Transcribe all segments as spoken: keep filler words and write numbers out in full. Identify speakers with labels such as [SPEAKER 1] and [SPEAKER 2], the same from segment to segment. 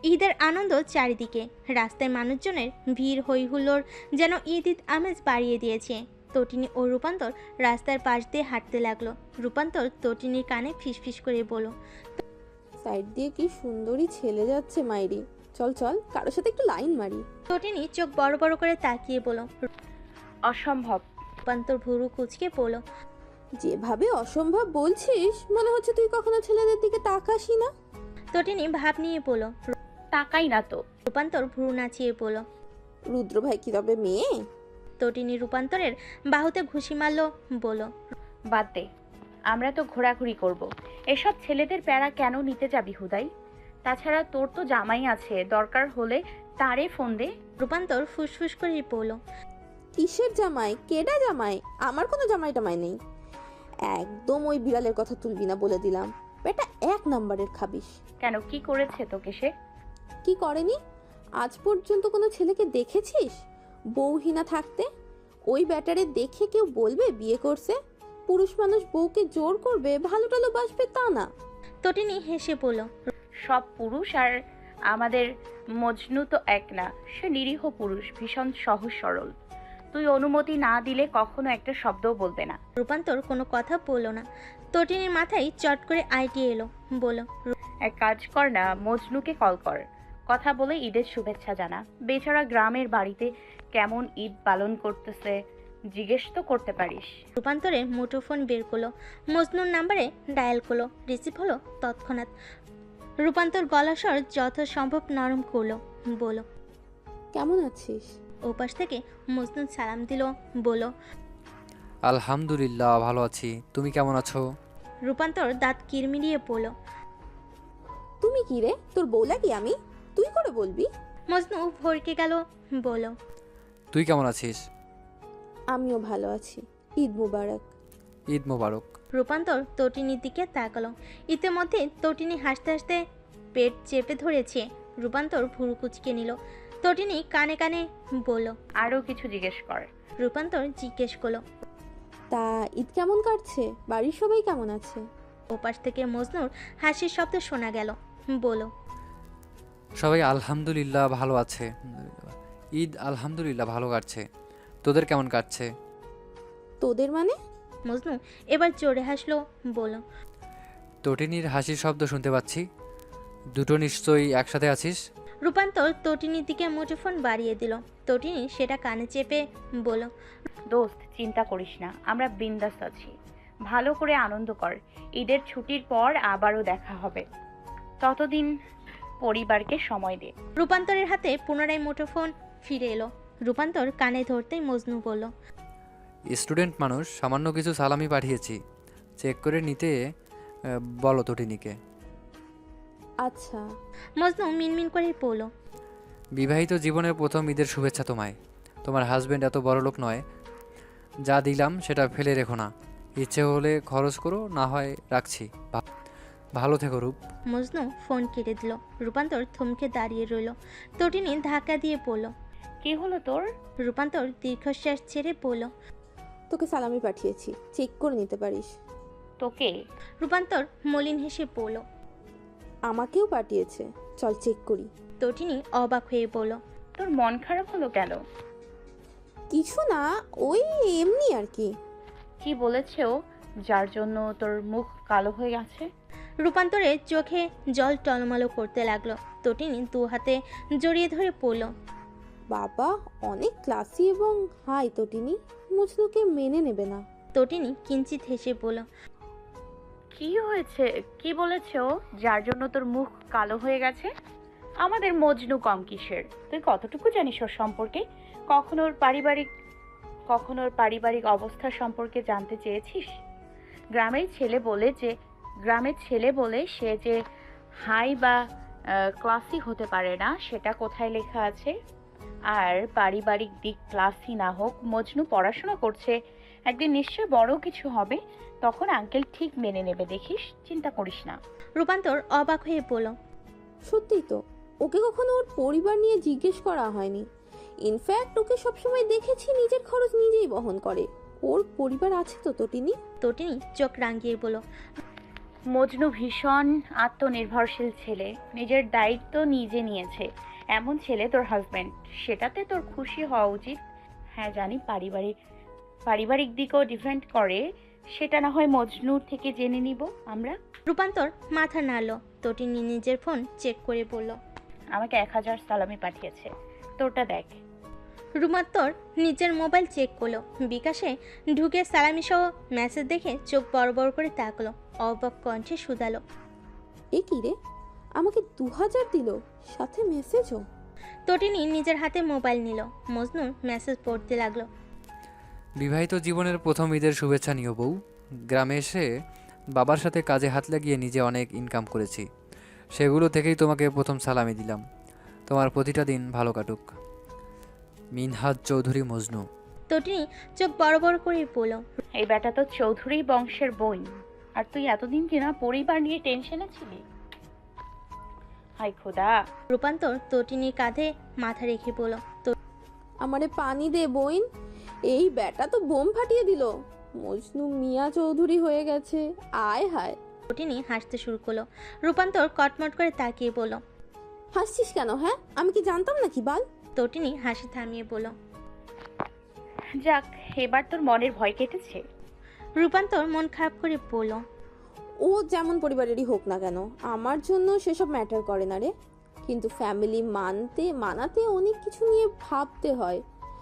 [SPEAKER 1] ঈদের আনন্দ চারিদিকে, রাস্তায় মানুষজনের ভিড় হই হুল্লোড় যেন ঈদ ঈদ আমেজ বাড়িয়ে দিয়েছে। তটিনী ও রূপান্তর রাস্তার পাশ দিয়ে হাঁটতে লাগলো। রূপান্তর তটিনীর কানে ফিসফিস করে বলল,
[SPEAKER 2] সাইড দিয়ে কি সুন্দরী ছেলে যাচ্ছে মাইরি, চল চল কারোর সাথে একটু লাইন মারি।
[SPEAKER 1] তটিনী চোখ বড় বড় করে তাকিয়ে বলল।
[SPEAKER 3] অসম্ভব।
[SPEAKER 1] রূপান্তর ভুরু কুচকে বলল,
[SPEAKER 2] যেভাবে অসম্ভব বলছিস মনে হচ্ছে তুই কখনো ছেলেদের দিকে তাকাসই না।
[SPEAKER 1] তটিনী ভাব নিয়ে বলল।
[SPEAKER 3] তাকাই না তো।
[SPEAKER 1] রূপান্তর ভুরু নাচিয়ে বলল,
[SPEAKER 2] রুদ্র ভাই কি তবে মেয়ে?
[SPEAKER 1] তটিনী রূপান্তরের বাহুতে ঘুষি মারল, বলল,
[SPEAKER 3] বাদ দে, আমরা তো ঘোরাঘুরি করব। এসব ছেলেদের প্যারা কেন নিতে যাবি হুদাই? তাছাড়া তোর তো জামাই আছে, দরকার হলে তারে ফোন দে।
[SPEAKER 1] রূপান্তর ফুসফুস করে বলল,
[SPEAKER 2] কিসের জামাই? কেডা জামাই? আমার কোনো জামাই টামাই নেই। একদম ওই বিড়ালের কথা তুলবি না বলে দিলাম, বেটা এক নাম্বারের খাবিস।
[SPEAKER 3] কেন, কি করেছে তোকে সে?
[SPEAKER 2] কি করেনি? আজ পর্যন্ত কোনো ছেলেকে দেখেছিস বউহীনা থাকতে? ওই ব্যাটারে দেখে কেউ বলবে বিয়ে করছে? পুরুষ মানুষ বউকে জোর করবে, ভালো টালো বাসবে তা না।
[SPEAKER 1] তটিনী হেসে বলল,
[SPEAKER 3] সব পুরুষ আর আমাদের মজনু তো এক না। সে নিরীহ পুরুষ, ভীষণ সহজ সরল। তুই অনুমতি না দিলে কখনো একটা শব্দও বলবে না।
[SPEAKER 1] রূপান্তর কোনো কথা বলল না। তটিনীর মাথায় চট করে আইডিয়া এলো, বলল,
[SPEAKER 3] এক কাজ কর না, মজনুকে কল কর, কথা বলে ঈদের শুভেচ্ছা জানা। বেচারা গ্রামের বাড়িতে কেমন ঈদ পালন করতেছে জিজ্ঞেস তো করতে পারিস।
[SPEAKER 1] রূপান্তরে মুঠোফোন বের করলো, মজনুর নাম্বারে ডায়াল করলো। রিসিভ হলো তৎক্ষণাৎ। রূপান্তর গলা স্বর যথাসম্ভব নরম করলো, বলল,
[SPEAKER 2] কেমন আছিস?
[SPEAKER 1] ওপাশ থেকে মজনু সালাম দিল, বলল,
[SPEAKER 4] আলহামদুলিল্লাহ ভালো আছি, তুমি কেমন আছো?
[SPEAKER 1] রূপান্তর দাঁত কিরমিরিয়ে বলল,
[SPEAKER 2] তুমি কি রে, তোর বউ লাগি আমি? তুই করে বলবি?
[SPEAKER 1] মজনু ভরকে গেল, বলল,
[SPEAKER 4] তুই কেমন আছিস?
[SPEAKER 2] আমিও ভালো আছি, ঈদ মুবারক।
[SPEAKER 4] ঈদ মোবারক।
[SPEAKER 1] রূপান্তর তটিনীর দিকে তাকালো। ইতিমধ্যে তটিনী হাসতে হাসতে পেট চেপে ধরেছে। রূপান্তর ভুরু কুচকে নিল। তটিনী কানে কানে বলল।
[SPEAKER 3] আরও কিছু জিজ্ঞেস কর।
[SPEAKER 1] রূপান্তর জিজ্ঞেস করলো,
[SPEAKER 2] তা ঈদ কেমন কাটছে? বাড়ির সবাই কেমন আছে?
[SPEAKER 1] ওপাশ থেকে মজনুর হাসির শব্দ শোনা গেল, বলল,
[SPEAKER 4] সবাই আলহামদুলিল্লাহ ভালো আছে। ঈদ আলহামদুলিল্লাহ ভালো কাটছে, তোদের কেমন কাটছে?
[SPEAKER 2] তোদের মানে?
[SPEAKER 1] মজনু এবার জোরে হাসলো, বলল,
[SPEAKER 4] তটিনীর হাসির শব্দ শুনতে পাচ্ছি, দুটো নিশ্চয়ই একসাথে আছিস।
[SPEAKER 1] রূপান্তর তটিনীর দিকে মুঠোফোন বাড়িয়ে দিল। তটিনী সেটা কানে চেপে বলল,
[SPEAKER 3] দোস্ত চিন্তা করিস না, আমরা বিন্দাস আছি। ভালো করে আনন্দ কর। ঈদের ছুটির পর আবারও দেখা হবে, ততদিন পরিবারকে সময় দে।
[SPEAKER 1] রূপান্তরের হাতে পুনরায় মুঠোফোন ফিরে এলো। রূপান্তর কানে ধরতেই মজনু বলল,
[SPEAKER 4] স্টুডেন্ট মানুষ, সামান্য কিছু সালামি পাঠিয়েছি, চেক করে নিতে আহ, বলো তটিনীকে।
[SPEAKER 2] আচ্ছা।
[SPEAKER 1] মজনু মিনমিন করে বলল,
[SPEAKER 4] বিবাহিত জীবনের প্রথম ঈদের শুভেচ্ছা তোমায়। তোমার হাজবেন্ড এত বড় লোক নয়, যা দিলাম সেটা ফেলে রেখো না, ইচ্ছে হলে খরচ করো, না হয় রাখছি। ভা- ভালো থেকো রূপ।
[SPEAKER 1] মজনু ফোন কেটে দিল। রূপান্তর থমকে দাঁড়িয়ে রইল। তটিনী ধাক্কা দিয়ে পড়ল।
[SPEAKER 3] কি হলো তোর?
[SPEAKER 1] রূপান্তর দীর্ঘশ্বাস ছেড়ে পড়ল,
[SPEAKER 2] তোকে সালামি পাঠিয়েছি, চেক করে নিতে পারিস।
[SPEAKER 3] তোকে?
[SPEAKER 1] রূপান্তর মলিন হেসে পড়ল।
[SPEAKER 2] আমাকেও পাঠিয়েছে, চল চেক করি।
[SPEAKER 1] তটিনী অবাক হয়ে পড়ল,
[SPEAKER 3] তোর মন খারাপ হলো কেন?
[SPEAKER 2] কিছু না, ওই এমনি আর কি।
[SPEAKER 3] কি বলেছে ও, যার জন্য তোর মুখ কালো হয়ে গেছে?
[SPEAKER 1] রূপান্তরের চোখে জল টলমলো করতে লাগলো। তটিনী দু হাতে জড়িয়ে ধরে পড়ল।
[SPEAKER 2] বাবা অনেক ক্লাসি এবং হাই তটিনী, মজনুকে মেনে নেবে না।
[SPEAKER 1] তটিনী কিঞ্চিত হেসে বলল,
[SPEAKER 3] কি হয়েছে? কি বলেছে ও, যার জন্য তোর মুখ কালো হয়ে গেছে? আমাদের মজনু কম কিসের? তুই কতটুকু জানিস ওর সম্পর্কে? কখনো ওর পারিবারিক কখনো ওর পারিবারিক অবস্থা সম্পর্কে জানতে চেয়েছিস? গ্রামের ছেলে বলে যে গ্রামের ছেলে বলে সে যে হাই বা ক্লাসি হতে পারে না, সেটা কোথায় লেখা আছে? আর পারিবারিক দিক ক্লাসি না হোক, মজনু পড়াশোনা করছে, একদিন নিশ্চয় বড় কিছু হবে, তখন আঙ্কেল ঠিক মেনে নেবে, দেখিস, চিন্তা করিস না।
[SPEAKER 1] রূপান্তর অবাক হয়ে পড়ল।
[SPEAKER 2] সত্যিই তো, ওকে কখনো ওর পরিবার নিয়ে জিজ্ঞেস করা হয়নি। ইনফ্যাক্ট ওকে সবসময় দেখেছি নিজের খরচ নিজেই বহন করে। ওর পরিবার আছে তো তটিনী?
[SPEAKER 1] তটিনী চোখ রাঙিয়ে বলল,
[SPEAKER 3] মজনু ভীষণ আত্মনির্ভরশীল ছেলে, নিজের দায়িত্ব নিজে নিয়েছে। এমন ছেলে তোর হাজব্যান্ড, সেটাতে তোর খুশি হওয়া উচিত। হ্যাঁ জানি পারিবারিক পারিবারিক দিকও ডিফেন্ড করে, সেটা না হয় মজনুর থেকে জেনে নিব আমরা।
[SPEAKER 1] রূপান্তর মাথা নাড়ল। তটিনী নিজের ফোন চেক করে বলল।
[SPEAKER 3] আমাকে এক হাজার সালামি পাঠিয়েছে, তোরটা দেখ।
[SPEAKER 1] রূপান্তর নিজের মোবাইল চেক করলো। বিকাশে ঢুকে সালামি সহ মেসেজ দেখে চোখ বড় বড় করে তাকলো। অবাক কণ্ঠে শুধালো।
[SPEAKER 2] এ কি রে, আমাকে দু হাজার দিল, সাথে মেসেজও।
[SPEAKER 1] তটিনী নিজের হাতে মোবাইল নিল। মজনু মেসেজ পড়তে লাগলো।
[SPEAKER 4] বিবাহিত জীবনের প্রথম ঈদের শুভেচ্ছা নিও বউ। গ্রামে এসে বাবার সাথে কাজে হাত লাগিয়ে নিজে অনেক ইনকাম করেছি, সেগুলো থেকেই তোমাকে প্রথম সালামি দিলাম। তোমার প্রতিটা দিন ভালো কাটুক। মিনহাজ চৌধুরী, মজনু।
[SPEAKER 1] তটিনী চোখ বড় বড় করে বলল।
[SPEAKER 3] এই বেটা তো চৌধুরী বংশের বই, আর তুই এতদিন কিনা পরিবার নিয়ে টেনশনে ছিলি। হাই খোদা।
[SPEAKER 1] রূপান্তর তটিনীর কাঁধে মাথা রেখে বলল।
[SPEAKER 2] আমারে পানি দে বইন, এই ব্যাটা তো বোম ফাটিয়ে দিল। মজনু মিয়া চৌধুরী হয়ে গেছে, আয় হায়।
[SPEAKER 1] তটিনী হাসতে শুরু করলো। রূপান্তর কটমট করে তাকিয়ে বলল।
[SPEAKER 2] হাসছিস কেন? হ্যাঁ, আমি কি জানতাম নাকি বাল?
[SPEAKER 1] তটিনী হাসি থামিয়ে বলল।
[SPEAKER 3] যাক, এবার তোর মনের ভয় কেটেছে।
[SPEAKER 1] রূপান্তর মন খারাপ করে বলল।
[SPEAKER 2] ও যেমন পরিবারেরই হোক না কেন, আমার জন্য সেসব ম্যাটার করে না রে। কিন্তু ফ্যামিলি মানতে মানাতে অনেক কিছু নিয়ে ভাবতে হয়।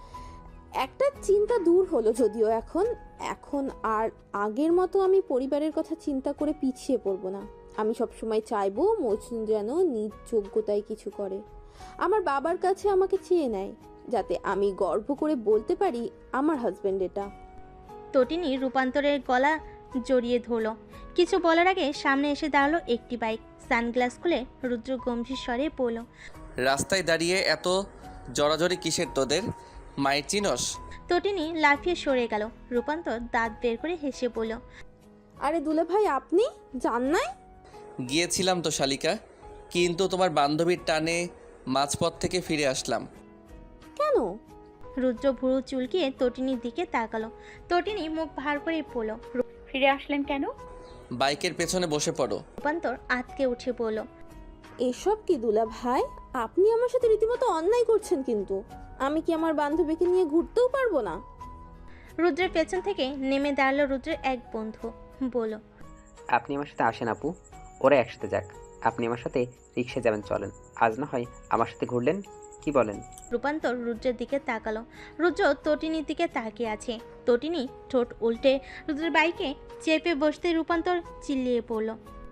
[SPEAKER 2] একটা চিন্তা দূর হলো যদিও এখন এখন আর আগের মতো আমি পরিবারের কথা চিন্তা করে পিছিয়ে পড়বো না। আমি সবসময় চাইবো মজনু যেন নিজ যোগ্যতায় কিছু করে, আমার বাবার কাছে আমাকে চেয়ে নেয়, যাতে আমি গর্ব করে বলতে পারি আমার হাজবেন্ড এটা।
[SPEAKER 1] তটিনী রূপান্তরের গলা জড়িয়ে ধরলো। কিছু বলার আগে সামনে এসে দাঁড়ালো একটি বাইক। সানগ্লাস খুলে রুদ্র গম্ভীর স্বরে বলল।
[SPEAKER 5] রাস্তায় দাঁড়িয়ে এত জড়াজড়ি কিসের তোদের? মায়ের চিনস?
[SPEAKER 1] তটিনী লাফিয়ে সরে গেল। রূপান্তর দাঁত বের করে হেসে বলল।
[SPEAKER 2] আরে দুলে ভাই, আপনি জান নাই?
[SPEAKER 5] গিয়েছিলাম তো শালিকা, কিন্তু তোমার বান্ধবীর টানে মাঝপথ থেকে ফিরে আসলাম।
[SPEAKER 2] কেন?
[SPEAKER 1] রুদ্র ভুরু চুলকিয়ে তটিনীর দিকে তাকালো। তটিনী মুখ ভার করে বলল।
[SPEAKER 3] ফিরে আসলেন কেন?
[SPEAKER 5] বাইকের পেছনে বসে পড়ো।
[SPEAKER 1] রূপান্তর আতকে উঠে বলল।
[SPEAKER 2] এসব কি দুলা ভাই, আপনি আমার সাথে রীতিমতো অন্যায় করছেন। কিন্তু আমি কি আমার বান্ধবীকে নিয়ে ঘুরতেও পারবো না?
[SPEAKER 1] রুদ্রের পেছন থেকে নেমে দাঁড়ালো রুদ্রের এক বন্ধু। বলল।
[SPEAKER 6] আপনি আমার সাথে আসেন আপু, ওরা একসাথে যাক। আপনি আমার সাথে রিক্সায় যাবেন, চলেন। আজ না হয় আমার সাথে ঘুরলেন, কি বলেন?
[SPEAKER 1] রূপান্তর রুদ্রের দিকে তাকালো। রুদ্র তটিনীর দিকে তাকিয়ে আছে। তটিনী ঠোঁট উল্টে রুদ্রের বাইকে চেপে বসতে রূপান্তর চিল্লিয়ে পড়ল।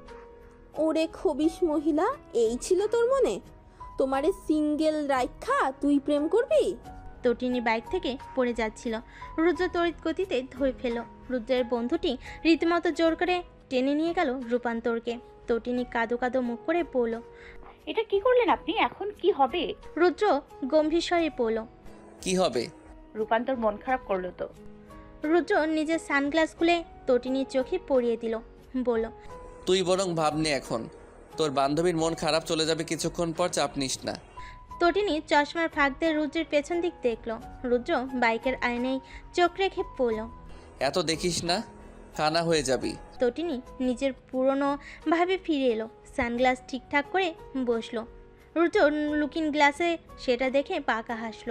[SPEAKER 2] ওরে খবিশ মহিলা, এই ছিল তোর মনে? তোমারে সিঙ্গেল রাইখা তুই প্রেম করবি?
[SPEAKER 1] তটিনী বাইক থেকে পড়ে যাচ্ছিল। রুদ্র তড়িৎ গতিতে ধরে ফেল। রুদ্রের বন্ধুটি রীতিমতো জোর করে টেনে নিয়ে গেল রূপান্তরকে। তটিনী কাদো কাদো মুখ করে পড়ল।
[SPEAKER 3] এটা কি করলেন আপনি? এখন কি হবে?
[SPEAKER 1] রুদ্র গম্ভীর স্বরে পড়ল।
[SPEAKER 5] কি হবে?
[SPEAKER 3] রূপান্তর মন খারাপ করলো তো।
[SPEAKER 1] রুদ্র নিজের সানগ্লাস খুলে তটিনীর চোখে পরিয়ে দিল। বলল।
[SPEAKER 5] তুই বরং ভাবনি এখন, তোর বান্ধবীর মন খারাপ চলে যাবে কিছুক্ষণ পর, চাপ নিস না।
[SPEAKER 1] তটিনী চশমার ফাঁক দিয়ে রুদ্রের পেছন দিক দেখল। রুদ্র বাইকের আয়নায় চোখ রেখে পড়ল।
[SPEAKER 5] এত দেখিস না, কানা হয়ে যাবি।
[SPEAKER 1] তটিনী নিজের পুরনো ভাবে ফিরে এলো। সানগ্লাস ঠিকঠাক করে বসলো। রুদ্র লুকিং গ্লাসে সেটা দেখে পাকা হাসলো।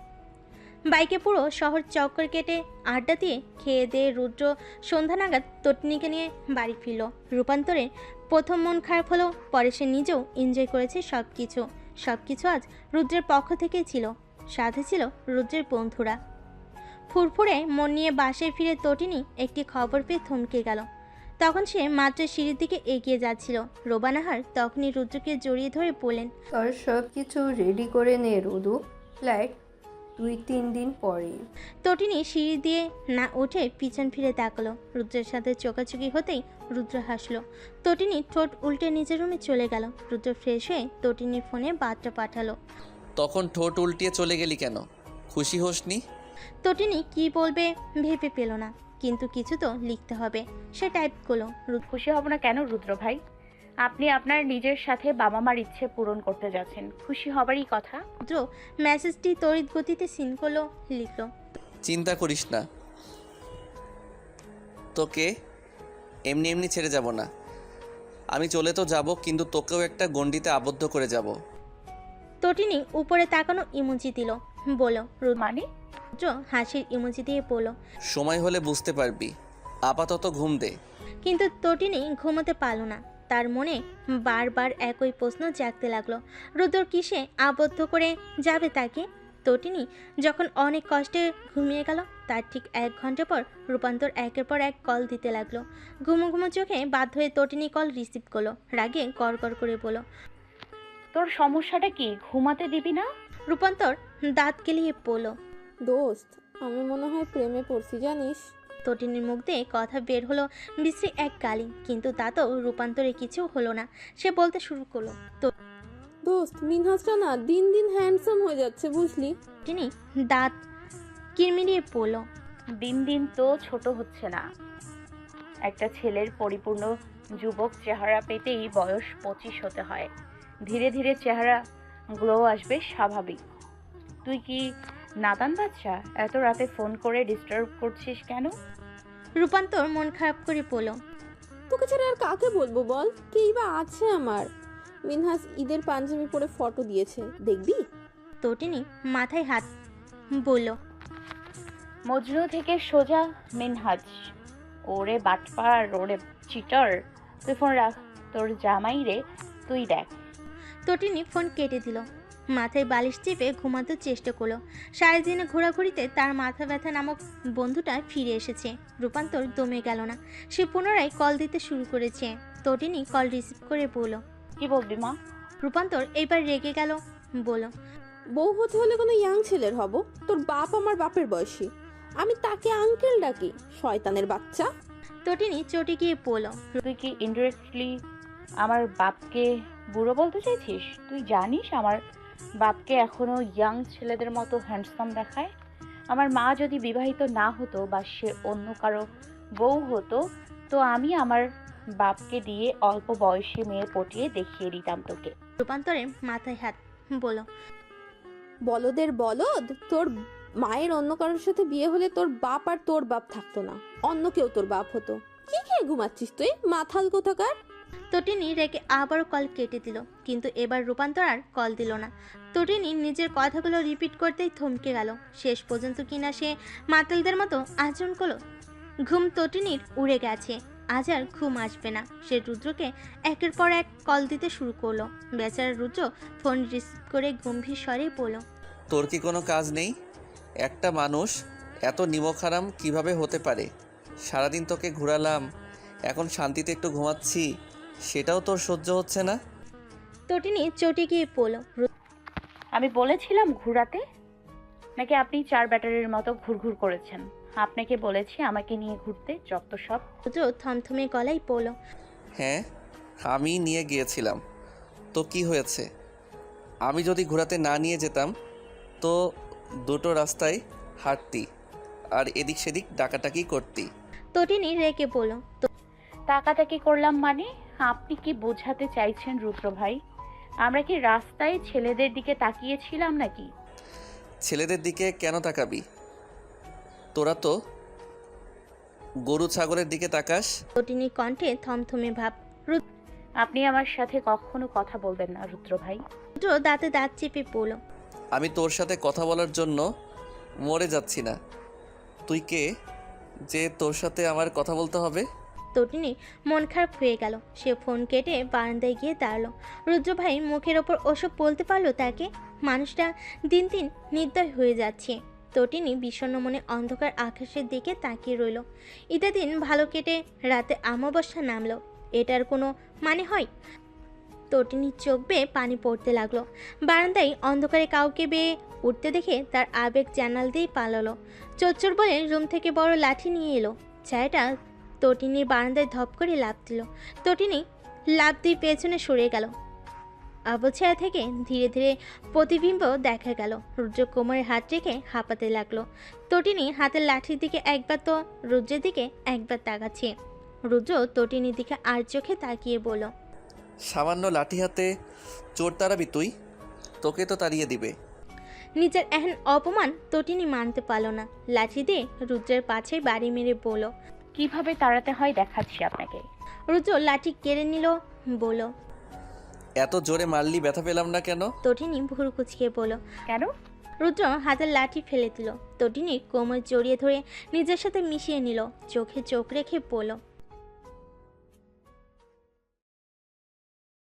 [SPEAKER 1] বাইকে পুরো শহর চক্কর কেটে আড্ডা দিয়ে খেয়ে দিয়ে রুদ্র সন্ধ্যা নাগাদ তটিনীকে নিয়ে বাড়ি ফিরল। রূপান্তরের প্রথম মন খারাপ হলো, পরে সে নিজেও এনজয় করেছে সব কিছু। সব কিছু আজ রুদ্রের পক্ষ থেকেই ছিল। সাথে ছিল রুদ্রের বন্ধুরা। ফুরফুরে মন নিয়ে বাসায় ফিরে তটিনী একটি খবর পেয়ে থমকে গেল। তখন সে মাত্র সিঁড়ির দিকে এগিয়ে যাচ্ছিল। রোবানাহার তখনই রুদ্রকে জড়িয়ে ধরে বললেন।
[SPEAKER 7] তোর সব কিছু রেডি করে নে রুদু, ফ্লাইট দুই তিন দিন পরে।
[SPEAKER 1] তটিনী সিঁড়ি দিয়ে না উঠে পিছন ফিরে তাকালো। রুদ্রের সাথে চোকাচুকি হতেই রুদ্র হাসলো। তটিনী ঠোঁট উল্টে নিজের রুমে চলে গেল। রুদ্র ফ্রেশ হয়ে তটিনীর ফোনে বার্তা পাঠালো।
[SPEAKER 5] তখন ঠোঁট উল্টিয়ে চলে গেলি কেন? খুশি হোসনি?
[SPEAKER 1] তটিনী কি বলবে ভেবে পেল না, কিন্তু কিছু তো লিখতে হবে। সে টাইপ করলো।
[SPEAKER 3] খুশি হব না কেন রুদ্র ভাই? আপনি আপনার নিজের সাথে বাবা মার ইচ্ছে পূরণ করতে যাচ্ছেন, খুশি হবারই কথা।
[SPEAKER 1] রুদ্র মেসেজটি তড়িৎ গতিতে সিন করলো, লিখলো।
[SPEAKER 5] চিন্তা করিস না, তোকে এমনি এমনি ছেড়ে যাব না। আমি চলে তো যাব, কিন্তু তোকেও একটা গণ্ডিতে আবদ্ধ করে যাব।
[SPEAKER 1] তটিনী উপরে তাকানো ইমোজি দিল, বলো।
[SPEAKER 3] মানে?
[SPEAKER 1] রুদ্র হাসির ইমোজি দিয়ে বলল।
[SPEAKER 5] সময় হলে বুঝতে পারবি, আপাতত ঘুম দে।
[SPEAKER 1] কিন্তু তটিনী ঘুমোতে পারল না। তার মনে বারবার একই প্রশ্ন জাগতে লাগলো, রুদ্র কিসে আবদ্ধ করে যাবে তাকে? তটিনী যখন অনেক কষ্টে ঘুমিয়ে গেল, তার ঠিক এক ঘন্টা পর রূপান্তর একের পর এক কল দিতে লাগলো। ঘুমো ঘুমো চোখে বাধ্য হয়ে তটিনী কল রিসিভ করলো। রাগে গড় গড় করে বলল,
[SPEAKER 3] তোর সমস্যাটা কি? ঘুমাতে দিবি না?
[SPEAKER 1] রূপান্তর দাঁত কেলিয়ে বলল।
[SPEAKER 2] দোস্ত, আমি মনে হয় প্রেমে পড়ছি জানিস।
[SPEAKER 1] তটিনীর মুখ দিয়ে কথা বের হলো বিশ্রী এক গালি, কিন্তু তা তো রূপান্তরে কিছু হলো না। সে বলতে শুরু করলো,
[SPEAKER 2] দোস্ত, মিনহাজটা না দিন দিন হ্যান্ডসাম হয়ে যাচ্ছে বুঝলি।
[SPEAKER 1] তটিনী দাঁত কিরমিরিয়ে পড়ল,
[SPEAKER 3] দিন দিন তো ছোট হচ্ছে না। একটা ছেলের পরিপূর্ণ যুবক চেহারা পেতেই বয়স পঁচিশ হতে হয়। ধীরে ধীরে চেহারা গ্লো আসবে, স্বাভাবিক। তুই কি নাদান বাচ্চা? এত রাতে ফোন করে ডিস্টার্ব করছিস কেন?
[SPEAKER 1] রূপান্তর মন খারাপ করে পড়ল,
[SPEAKER 2] তোকে ছাড়া আর কাকে বলবো বল? কেই বা আছে আমার? মিনহাজ ঈদের পাঞ্জাবি পরে ফটো দিয়েছে, দেখবি?
[SPEAKER 1] তটিনী মাথায় হাত বলল,
[SPEAKER 3] মজনু থেকে সোজা মিনহাজ। ওরে বাটপার, ওরে চিটার। তুই ফোন রাখ, তোর জামাই রে, তুই দেখ।
[SPEAKER 1] তটিনী ফোন কেটে দিল। মাথায় বালিশ চেপে ঘুমাতে চেষ্টা করলো। সারাদিনে ঘোরাঘুরিতে তার মাথা ব্যথা নামক বন্ধুটা ফিরে এসেছে। রূপান্তর দমে গেল না, সে পুনরায় কল দিতে শুরু করেছে। তটিনী কল রিসিভ করে বলল,
[SPEAKER 3] কি বলবি মা?
[SPEAKER 1] রূপান্তর এবার রেগে গেল, বলল,
[SPEAKER 2] বউ হতে হলে কোনো ইয়াং ছেলের হব? তোর বাপ আমার বাপের বয়সী, আমি তাকে আঙ্কেল ডাকি, শয়তানের বাচ্চা।
[SPEAKER 1] তটিনী চটে গিয়ে বলল,
[SPEAKER 3] তুই কি ইনডিরেক্টলি আমার বাপকে বুড়ো বলতে চাইছিস? তুই জানিস আমার বাপকে এখনো ইয়াং ছেলেদের মতো হ্যান্ডসাম দেখায়? আমার মা যদি বিবাহিত না হতো বা সে অন্য কারো বউ হতো, তো আমি আমার বাপকে দিয়ে অল্প বয়সী মেয়ে পটিয়ে দেখিয়ে দিতাম তোকে।
[SPEAKER 1] রূপান্তরের মাথায় হাত, বলল,
[SPEAKER 2] বলদের বলদ, তোর মায়ের অন্য কারোর সাথে বিয়ে হলে তোর বাপ আর তোর বাপ থাকতো না, অন্য কেউ তোর বাপ হতো। কি খেয়ে ঘুমাচ্ছিস তুই, মাথাল কোথাকার?
[SPEAKER 1] তটিনী রেগে আবারও কল কেটে দিল, কিন্তু এবার রূপান্তর আর কল দিল না। তটিনী নিজের কথাগুলো রিপিট করতেই থমকে গেল। শেষ পর্যন্ত কিনা সে মাতালদের মতো আচরণ করলো। ঘুম তটিনীর উড়ে গেছে, আজ আর ঘুম আসবে না। সে রুদ্রকে একের পর এক কল দিতে শুরু করলো। বেচারা রুদ্র ফোন রিসিভ করে গম্ভীর স্বরে বলল,
[SPEAKER 5] তোর কি কোনো কাজ নেই? একটা মানুষ এত নিমখারাম কিভাবে হতে পারে? সারাদিন তোকে ঘোরালাম, এখন শান্তিতে একটু ঘুমাচ্ছি, সেটাও তোর সহ্য হচ্ছে না?
[SPEAKER 1] তটিনী চটে গিয়ে বলল,
[SPEAKER 3] আমি বলেছিলাম ঘুরাতে? নাকি আপনি চার ব্যাটারির মতো ঘুরঘুর করেছেন? আপনাকে বলেছি আমাকে নিয়ে ঘুরতে, যত সব।
[SPEAKER 1] রুদ্র থমথমে গলায় বলল,
[SPEAKER 5] হ্যাঁ, আমি নিয়ে গিয়েছিলাম, তো কি হয়েছে? আমি যদি ঘোরাতে না নিয়ে যেতাম তো দুটো রাস্তায় হাঁটতি আর এদিক সেদিক ডাকাটাকি করতি।
[SPEAKER 1] তটিনী রেগে বলল,
[SPEAKER 3] তাকাতাকি করলাম মানে? আপনি কি বোঝাতে চাইছেন রুদ্র ভাই? আমরা কি রাস্তায় ছেলেদের দিকে তাকিয়েছিলাম নাকি?
[SPEAKER 5] ছেলেদের দিকে কেন তাকাবি? তোরা তো গরু ছাগলের দিকে তাকাস।
[SPEAKER 1] তটিনীর কণ্ঠে থমথমে ভাব।
[SPEAKER 3] আপনি আমার সাথে কখনো কথা বলবেন না রুদ্র ভাই।
[SPEAKER 1] রুদ্র দাঁতে দাঁত চেপে পড়ল,
[SPEAKER 5] আমি তোর সাথে কথা বলার জন্য মরে যাচ্ছি না। তুই কে যে তোর সাথে আমার কথা বলতে হবে?
[SPEAKER 1] তটিনী মন খারাপ হয়ে গেল। সে ফোন কেটে বারান্দায় গিয়ে দাঁড়ালো। রুদ্র ভাই মুখের ওপর ওসব বলতে পারলো তাকে? মানুষটা দিন দিন নির্দয় হয়ে যাচ্ছে। তটিনী বিষণ্ণ মনে অন্ধকার আকাশের দিকে তাকিয়ে রইল। ঈদের দিন ভালো কেটে রাতে অমাবস্যা নামলো, এটার কোনো মানে হয়? তটিনীর চোখ বেয়ে পানি পড়তে লাগলো। বারান্দায় অন্ধকারে কাউকে বেয়ে উঠতে দেখে তার আবেগ জানাল দিয়ে পালালো। চোচ্চর বলে রুম থেকে বড় লাঠি নিয়ে এলো। ছায়াটা তটিনীর বারান্দায় ধপ করে লাফ দিল। তটিনী লাফ দিয়ে পেছনে সরে গেল। অবছায়া থেকে ধীরে ধীরে প্রতিবিম্ব দেখা গেল। রুদ্র কোমরে হাত রেখে হাঁপাতে লাগলো। তটিনী হাতের লাঠির দিকে একবার তো রুদ্রের দিকে একবার তাকাচ্ছে। রুদ্র তটিনীর দিকে আর চোখে তাকিয়ে বলল,
[SPEAKER 5] সামান্য লাঠি হাতে চোর তাড়াবি তুই? তোকে তো তাড়িয়ে দিবে।
[SPEAKER 1] নিজের এহেন অপমান তটিনী মানতে পারল না। লাঠি দিয়ে রুদ্রের পাছে বাড়ি মেরে বলল,
[SPEAKER 3] কিভাবে তাড়াতে হয় দেখাচ্ছি আপনাকে।
[SPEAKER 1] রুদ্র লাঠি কেড়ে নিল বলল।
[SPEAKER 5] এত জোরে মারলি ব্যথা পেলাম না কেন?
[SPEAKER 1] তটিনী ভুরু কুচকে বলল।
[SPEAKER 3] কেন?
[SPEAKER 1] রুদ্র হাতের লাঠি ফেলে দিল। তটিনী কোমর জড়িয়ে ধরে নিজের সাথে মিশিয়ে নিল, চোখে চোখ রেখে বলল।